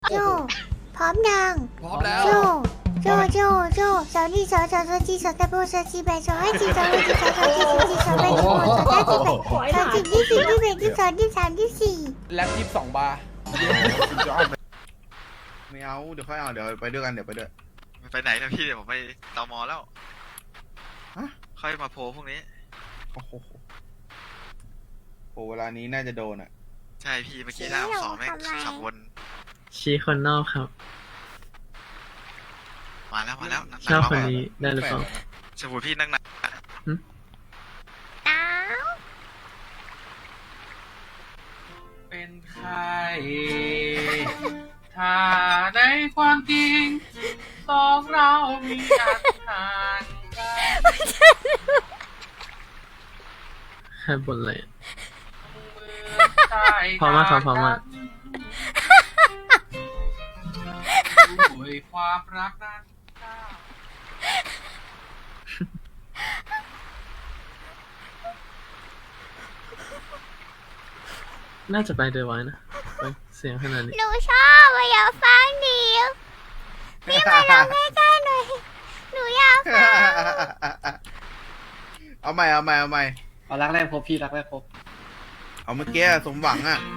โจพร้อมยังพร้อมแล้วโจสาวนี่สาวจีสาวตะโบสาวจีแบสาวให้จีสาวให้จีสาวจีสาวจีสาวแบสาวสาวจีแบสาวจีที่สี่ที่แบที่สองที่สามที่สี่แล็บ22 บาร์ไม่เอาเดี๋ยวค่อยเอาเดี๋ยวไปด้วยกันเดี๋ยวไปด้วยไปไหนนะพี่เดี๋ยวผมไปตมแล้วฮะค่อยมาโพลพวกนี้โอ้โหโหเวลานี้น่าจะโดนอ่ะใช่พี่เมื่อกี้หน้าสองแม่งขับวนชี้คนนอกครับมาแล้วชอบคนนี้ได้หรือเปล่าสมมติพี่นั่งนะอ้าวเป็นใคร ถ้าในความจริงสองเรามีอันห่างกันแค่บนเลยพร้อมมากครับพร้อมมากด้วยความรักนั้นน่าจะไปเดอะไว้นะไปเสียงขนาดนี้หนูชอบอยากฟังดิพี่มาลองใกล้ๆหน่อยหนูอยากฟังเอาใหม่เอารักแรกพบพี่รักแรกพบเอาเมื่อกี้สมหวังอ่ะ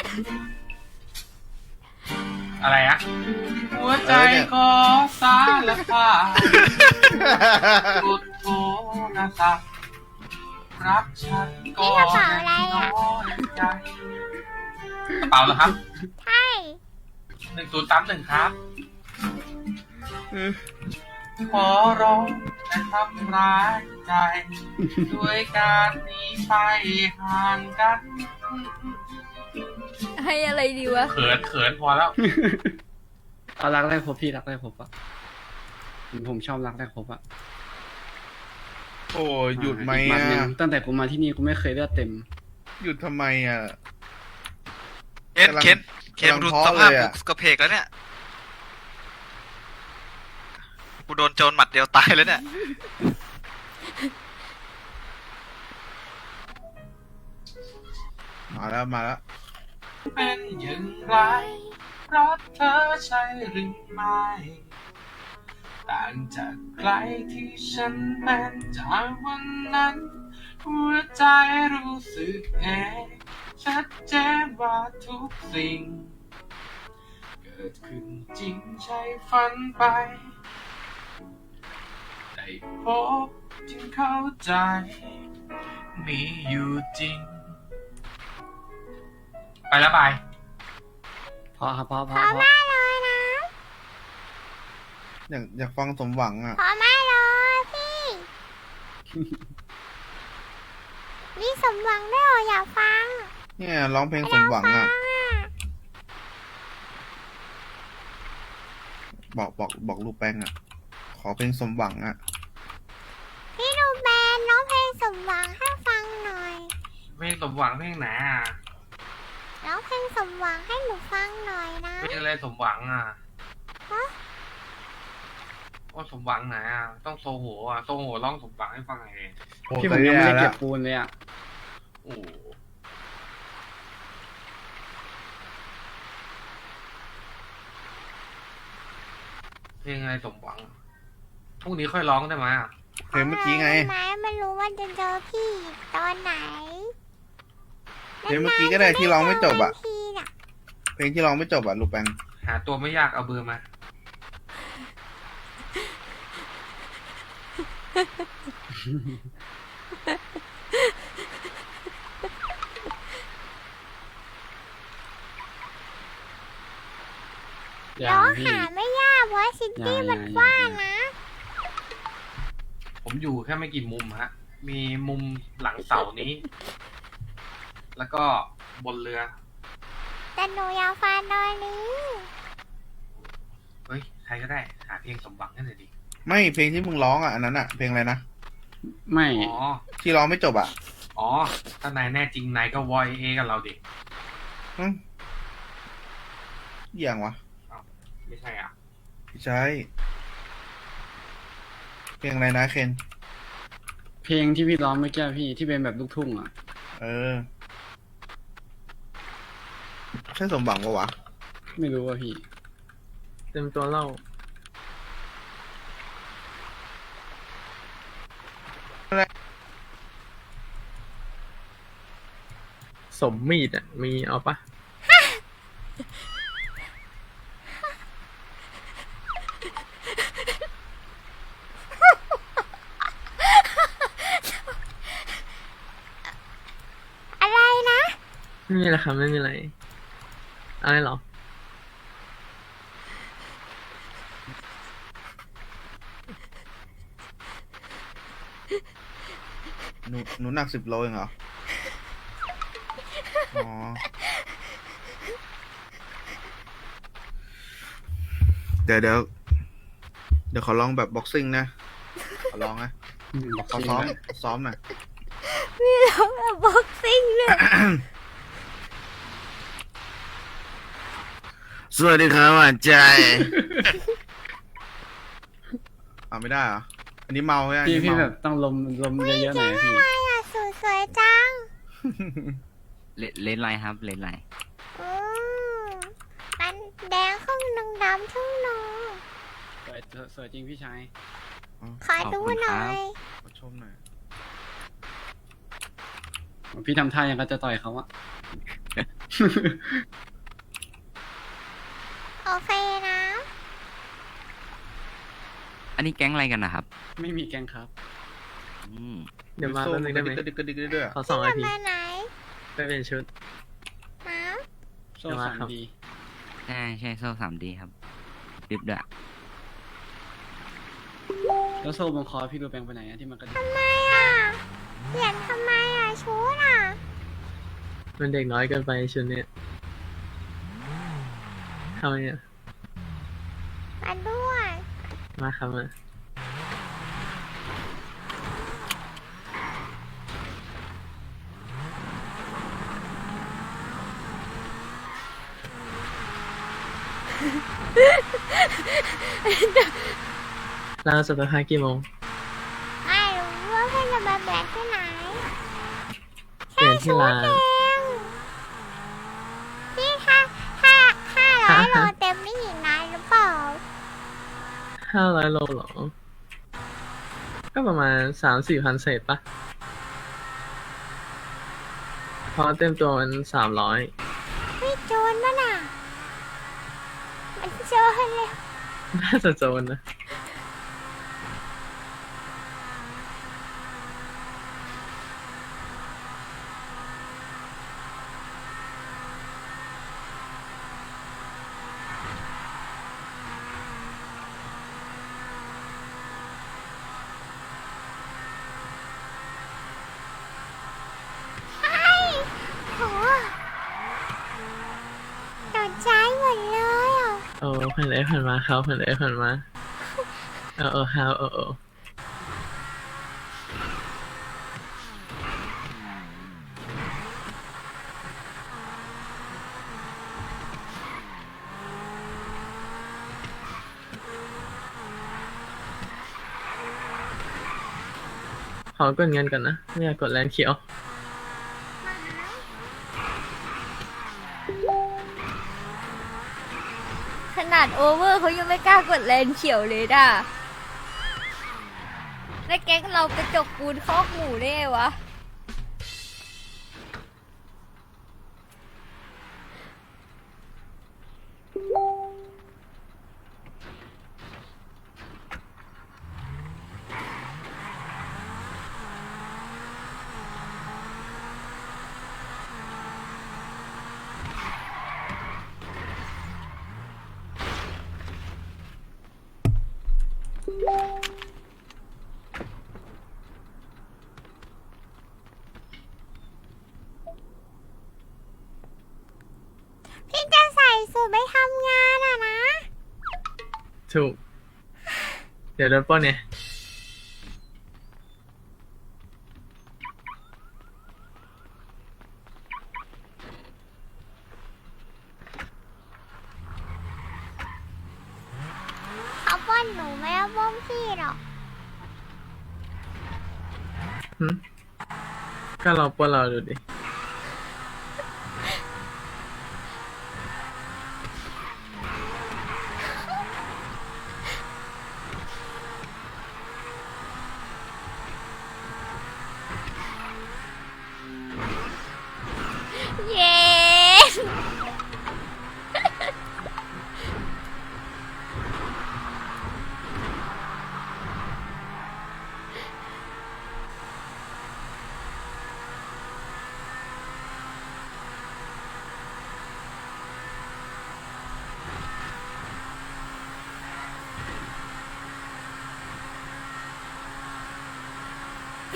อะไรอะหัวใจของสารพัดสุดโทนะสักรักฉันก็นี่กระเป๋าอะไรอะน้อยใจกระเป๋าเหรอครับใช่ 1031ครับ ขอร้องแต่ทำร้ายใจ ด้วยการหนีไปห่างกันให้อะไรดีวะเขินพอแล้วเอารักแรกพบพี่รักแรกพบอะผมชอบรักแรกพบอะโอ้ยหยุดไหมอีกอ่ะนหนึ่งตั้งแต่กูมาที่นี่กูไม่เคยเลือดเต็มหยุดทำไมอ่ะเคนกำลังดูท้อสภาพเลยกูอะกระเพกแล้วเนี่ยกูโดนโจรหมัดเดียวตายแล้วเนี่ยมาแล้วเป็นอย่างไรรักเธอใช่หรือไม่ต่างจากใครที่ฉันเป็นจากวันนั้น หัวใจรู้สึกเองชัดเจนว่าทุกสิ่ง เกิดขึ้นจริงใช่ฝันไป ได้พบจึงเข้าใจ มีอยู่จริง ไปแล้วบายพอครับพอพร้อมมากเลยนะอยากฟังสมหวังอ่ะพร้อมมากเลยพี่ นี่สมหวังด้วยเหรออยากฟังเนี่ยร้องเพลงสมหวังอ่ะ บอกลูกแป้งอ่ะ ขอเพลงสมหวังอ่ะพี่ดูแบนน้องเพลงสมหวังให้ฟังหน่อยเพลงสมหวังเพลงไหนอ่ะร้องเพลงสมหวังให้หนูฟังหน่อยนะเพลงอะไรสมหวังอ่ะฮะว่าสมหวังไหนอ่ะ ต้องโซโหอ่ะ โซโหร้องสมหวังให้ฟังหน่อยดิพี่ผมยังไม่ได้เก็บปูนเลยอะโอ้โหเพลงอะไรสมหวัง พรุ่งนี้ค่อยร้องได้ไหมอ่ะเพลงเมื่อกี้ไงไม้ไม่รู้ว่าจะเจอพี่ตอนไหนเพลงเมื่อกี้ก็ได้ที่ร้องไม่จบอ่ะพี่น่ะเพลงที่ร้องไม่จบอ่ะลูกแป้งหาตัวไม่ยากเอาเบอร์มาอย่าร้องพี่หาไม่ยากเพราะซิตี้มันกว้างนะผมอยู่แค่ไม่กี่มุมฮะ มีมุมหลังเสานี้ แล้วก็บนเรือแต่หนูอยากฟังตอนนี้เฮ้ย ใครก็ได้ หาเพลงสมหวังให้หน่อยดิไม่เพลงที่มึงร้องอ่ะอันนั้นอ่ะเพลงอะไรนะไม่อ๋อที่ร้องไม่จบอ่ะอ๋อ ถ้านายแน่จริงนายก็วอยเอกับเราดิอืมอย่างวะไม่ใช่อ่ะไม่ใช่เพลงอะไรนะเคนเพลงที่พี่ร้องเมื่อกี้พี่ที่เป็นแบบลูกทุ่งอะเออใช่สมหวังปะวะไม่รู้ว่าพี่เต็มตัวเล่าสมมีดอ่ะ มีเอาปะอะไรนะไม่มีอะไรครับไม่มีอะไร อะไรหรอหนูหนัก10 โลเองเหรอ อ๋อ เดี๋ยวขอลองแบบบ็อกซิ่งนะ ขอลองนะบอกขอจริงซ้อมนะซ้อมหน่อยมีร้องแบบบ็อกซิ่งด้วยสวัสดีครับหวานใจ ไม่ได้เหรอ อันนี้เมาใช่ไหมพี่อันนี้เมาแบบต้องลมเยอะๆหน่อยนะพี่อะไรอ่ะสวยๆจังเลนไลน์ครับเลนไลน์อืมมันแดงครึ่งหนึ่งดำครึ่งหนึ่งสวยจริงพี่ชายขอดูหน่อยขอชมหน่อยพี่ทำท่ายังก็จะต่อยเขาอะโอเคนะอันนี้แก๊งอะไรกันนะครับไม่มีแกงครับอืมเดี๋ยวมาแป๊บนึงได้ไหมกระดิกกระดิกกระดิกด้วยอะขอ2 นาทีมาไหนไปเป็นชุดมาโซ่เดี๋ยวมาสามครับดีใช่โซ่3D ครับริบด้วยแล้วโซ่บนคอพี่ดูแปลงไปไหนอะที่มันกระดิกทำไมอ่ะเปลี่ยนทำไมอ่ะชุดอ่ะมันเด็กน้อยเกินไปชุดเนี้ยทำไมอ่ะมาด้วยมาครับมาเราจะไปพักกี่โมงไม่รู้ว่าเพื่อนจะมาแบกที่ไหนเปลี่ยนที่ร้านเองพี่500 โลเต็มนี่อีกนานหรือเปล่า 500 โลเหรอ ก็ประมาณ 3-4 พันเศษปะเพราะเต็มตัวมัน300 ไม่โจรป่ะน่ะ มันโจรเลยน่าจะโจรนะใช่โหตกใจหมดเลยอ่ะโอ้ผ่านเลยผ่านมาเขาผ่านเลยผ่านมาฮาวขอกดเงินก่อนนะ ไม่อยากกดแลนเขียวขนาดโอเวอร์เขายังไม่กล้ากดแลนเขียวเลยด่ะแล้วแก๊งเรากระจกปูนคอกหมูได้ไงวะพี่จะใส่สูทไปทำงานอ่ะนะถูก เดี๋ยวโดนปล้นเนี่ยเขาป้อนหนูไม่เอาป้อนพี่หรอกก็ลองปล้นเราดูดิ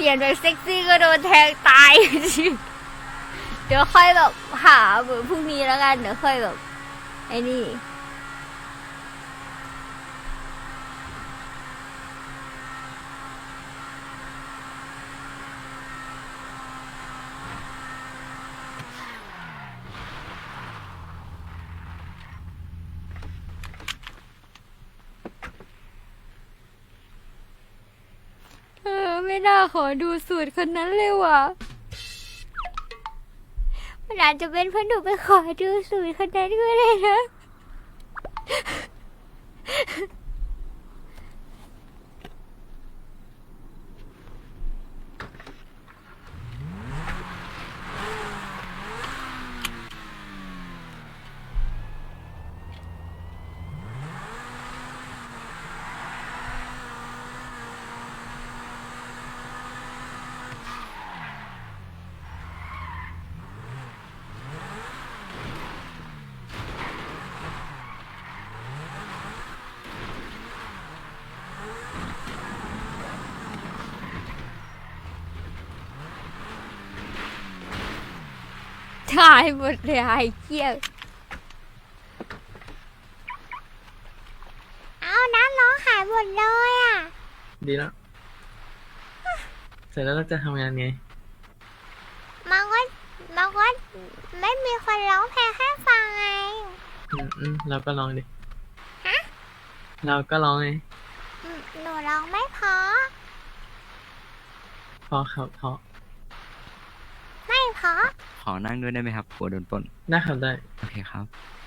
สียงแบบเซ็กซี่ก็โดนแทงตาย เดี๋ยวค่อยแบบหาแบบพรุ่งนี้แล้วกันเดี๋ยวค่อยแบบไอ้นี่ ไม่น่าขอดูสูตรคนนั้นเลยว่ะมันอาจจะเป็นเพราะหนูไปขอดูสูตรคนนั้นก็ได้นะ ถ่ายหมดเลยไอ้เกี้ยวเอาน้ำน้องหายหมดเลยอ่ะดีแล้ว เสร็จแล้วเราจะทำงานไงมันก็ไม่มีคนร้องเพลงให้ฟังไงเราก็ลองดิ เราก็ลองไงหนูร้องไม่เพอพอครับพอไม่เพอขอนั่งด้วยได้ไหมครับกลัวโดนปล้นได้ครับได้โอเคครับ